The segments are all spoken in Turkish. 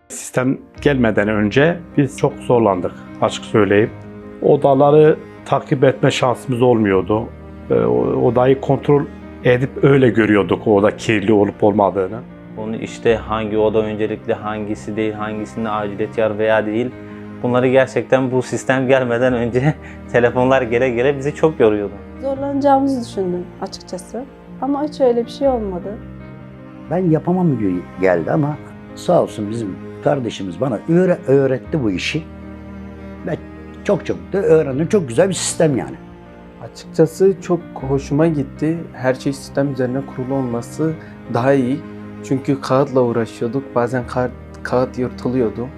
Sistem gelmeden önce biz çok zorlandık açık söyleyeyim. Odaları takip etme şansımız olmuyordu. Odayı kontrol edip öyle görüyorduk o oda kirli olup olmadığını. Onu işte hangi oda öncelikli, hangisi değil, hangisinde aciliyet var veya değil. Bunları gerçekten bu sistem gelmeden önce telefonlar gele gele bizi çok yoruyordu. Zorlanacağımızı düşündüm açıkçası. Ama hiç öyle bir şey olmadı. Ben yapamam diyor geldi ama sağ olsun bizim kardeşimiz bana öğretti bu işi. Ben çok da öğrendim. Çok güzel bir sistem yani. Açıkçası çok hoşuma gitti. Her şey sistem üzerine kurulu olması daha iyi. Çünkü kağıtla uğraşıyorduk. Bazen kağıt yırtılıyordu.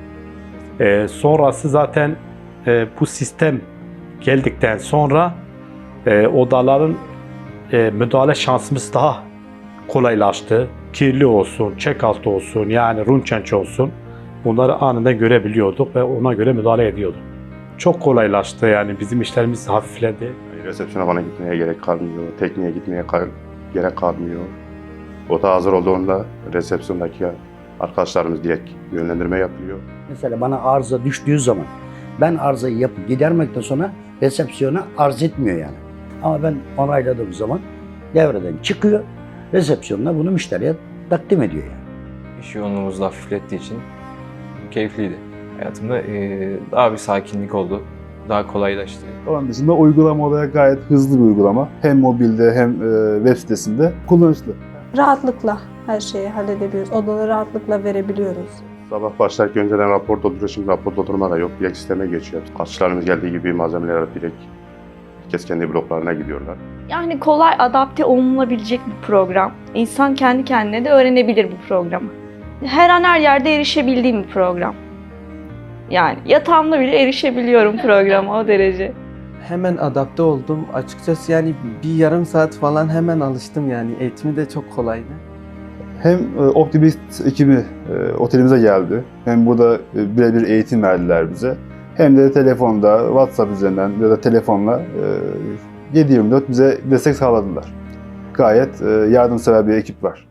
Sonrası zaten bu sistem geldikten sonra odaların müdahale şansımız daha kolaylaştı. Kirli olsun, check-out olsun, yani Runçenç olsun. Bunları anında görebiliyorduk ve ona göre müdahale ediyorduk. Çok kolaylaştı, yani bizim işlerimiz hafifledi. Resepsiyona bana gitmeye gerek kalmıyor, tekniğe gitmeye gerek kalmıyor. Oda hazır olduğunda resepsiyondaki arkadaşlarımız direkt yönlendirme yapıyor. Mesela bana arıza düştüğü zaman ben arızayı yapıp gidermekten sonra resepsiyona arz etmiyor yani. Ama ben onayladığım zaman devreden çıkıyor. Resepsiyonuna bunu müşteriye takdim ediyor yani. İş yoğunluğumuzu da hafiflettiği için keyifliydi. Hayatımda daha bir sakinlik oldu. Daha kolaylaştı. Onun dışında uygulama olarak gayet hızlı bir uygulama. Hem mobilde hem web sitesinde kullanışlı. Rahatlıkla her şeyi halledebiliyoruz. Odaları rahatlıkla verebiliyoruz. Sabah başlarken önceden rapor dolduruyor, şimdi rapor doldurma da yok. Direkt sisteme geçiyor. Karşılarımız geldiği gibi malzemeler direkt herkes kendi bloklarına gidiyorlar. Yani kolay adapte olunabilecek bir program. İnsan kendi kendine de öğrenebilir bu programı. Her an her yerde erişebildiğim bir program. Yani yatağımda bile erişebiliyorum programa o derece. Hemen adapte oldum. Açıkçası yani bir yarım saat falan hemen alıştım yani. Eğitimi de çok kolaydı. Hem Optimist ekibi otelimize geldi. Hem burada birebir eğitim verdiler bize. Hem de telefonda, WhatsApp üzerinden ya da telefonla 7/24 bize destek sağladılar. Gayet yardımsever bir ekip var.